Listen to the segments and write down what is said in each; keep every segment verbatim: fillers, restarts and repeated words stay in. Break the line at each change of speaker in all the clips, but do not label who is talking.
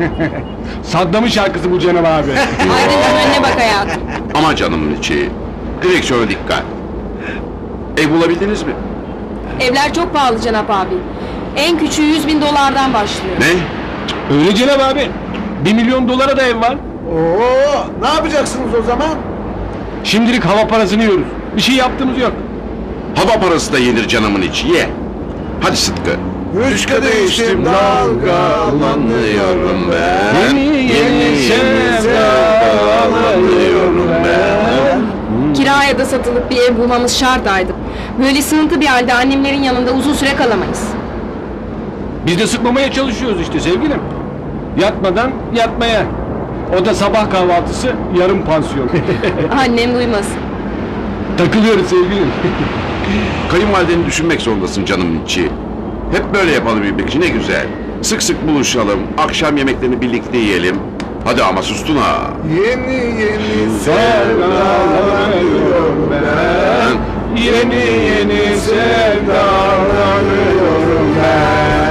Saddam'ın şarkısı bu Cenab abi.
Aydıncım önüne bak hayatım.
Ama canımın içi. Direksiyona dikkat. Ev bulabildiniz mi?
Evler çok pahalı Cenap abi. En küçüğü yüz bin dolardan başlıyor.
Ne?
Öyle Cenab abi. Bir milyon dolara da ev var.
Oo, ne yapacaksınız o zaman?
Şimdilik hava parasını yiyoruz. Bir şey yaptığımız yok.
Hava parası da yenir canımın içi. Ye. Hadi Sıtkı.
Üç kadeh içtim dalgalanıyorum ben.
Yeni yeni sevdalanıyorum ben.
Kiraya da satılıp bir ev bulmamız şart Aydın. Böyle sığıntı bir halde annemlerin yanında uzun süre kalamayız.
Biz de sıkmamaya çalışıyoruz işte sevgilim. Yatmadan yatmaya. O da sabah kahvaltısı, yarım pansiyon.
Annem duymasın.
Takılıyoruz sevgilim.
Kayınvalideni düşünmek zorundasın canımın içi. Hep böyle yapalım birbirimizi, ne güzel. Sık sık buluşalım, akşam yemeklerini birlikte yiyelim. Hadi ama sustun ha.
Yeni yeni
Sevdalanıyorum ben. Yeni yeni sevdalanıyorum ben.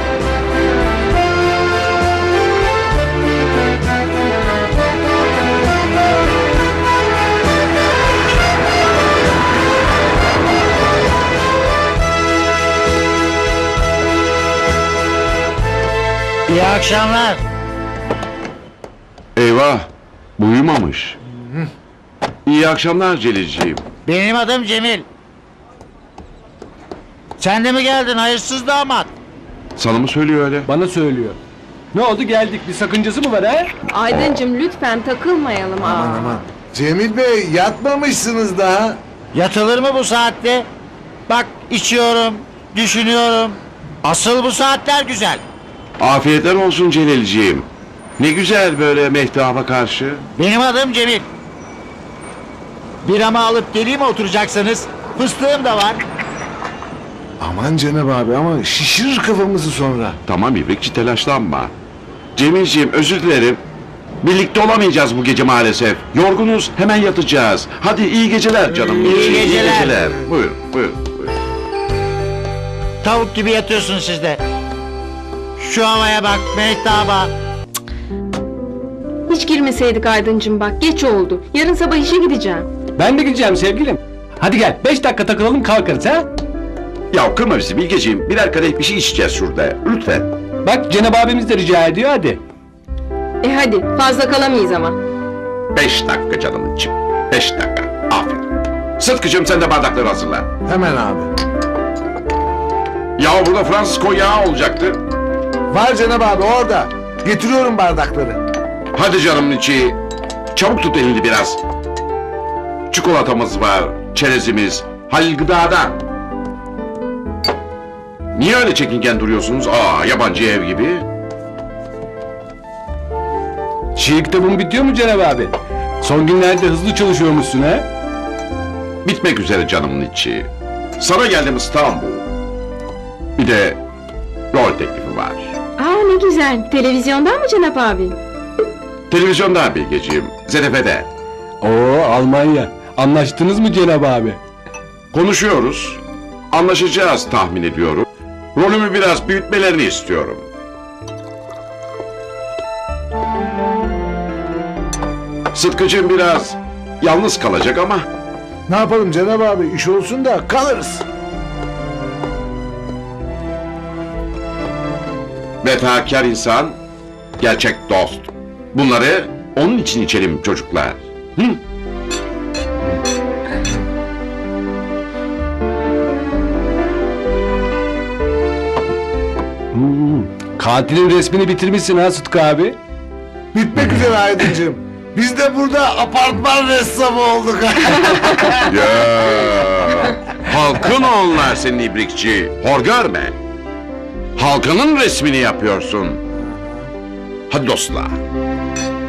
İyi akşamlar.
Eyvah, bu uyumamış. İyi akşamlar Celilciğim.
Benim adım Cemil. Sen de mi geldin hayırsız damat?
Sana mı söylüyor öyle?
Bana söylüyor. Ne oldu geldik, bir sakıncası mı var ha?
Aydıncım lütfen takılmayalım. Aa.
Aman aman. Cemil Bey yatmamışsınız daha.
Yatılır mı bu saatte? Bak içiyorum, düşünüyorum. Asıl bu saatler güzel.
Afiyetler olsun Celilciğim. Ne güzel böyle mehtaba karşı.
Benim adım Cemil. Bir ama alıp geleyim mi oturacaksanız? Fıstığım da var.
Aman Cenab abi ama şişirir kafamızı sonra.
Tamam İbrikçi, telaşlanma. Cemilciğim özür dilerim. Birlikte olamayacağız bu gece maalesef. Yorgunuz, hemen yatacağız. Hadi iyi geceler canım.
İyi geceler.
Buyur, buyur, buyur.
Tavuk gibi yatıyorsun siz de. Şu havaya bak, mehtaba.
Hiç girmeseydik Aydıncım bak geç oldu. Yarın sabah işe gideceğim.
Ben de gideceğim sevgilim. Hadi gel, beş dakika takılalım kalkarız ha?
Ya kırma bizi Bilgeciğim. Birer kadeh bir şey içeceğiz şurada. Lütfen.
Bak Cenab abimiz de rica ediyor hadi.
E hadi fazla kalamayız ama.
Beş dakika canımın için. Beş dakika. Aferin. Sıtkıcığım sen de bardakları hazırla.
Hemen abi.
Ya burada Fransız konyağı olacaktı.
Var Cenab abi orada. Getiriyorum bardakları.
Hadi canımın içi. Çabuk tut elini biraz. Çikolatamız var, çerezimiz, Halil Gıda'dan. Niye öyle çekingen duruyorsunuz? Aa, yabancı ev gibi.
Şiir kitabın bitiyor mu Cenab abi? Son günlerde hızlı çalışıyormuşsun ha?
Bitmek üzere canımın içi. Sana geldim İstanbul. Bir de rol teklifi var.
Aa ne güzel. Televizyondan mı Cenap abi?
Televizyonda Bilgeciğim, Z T F'de.
Oo Almanya. Anlaştınız mı Cenab abi?
Konuşuyoruz. Anlaşacağız tahmin ediyorum. Rolümü biraz büyütmelerini istiyorum. Sıtkıcığım biraz yalnız kalacak ama
Ne yapalım Cenab abi iş olsun da kalırız.
vefakar insan, gerçek dost. Bunları onun için içelim çocuklar. Hı?
Hmm, katilin resmini bitirmişsin ha Sıtkı abi.
Bitmek üzere Aydıncığım. Biz de burada apartman ressamı olduk.
Ya, halkın onlar senin ibrikçi. Hor görme. Halkının resmini yapıyorsun. Hadi dostlar.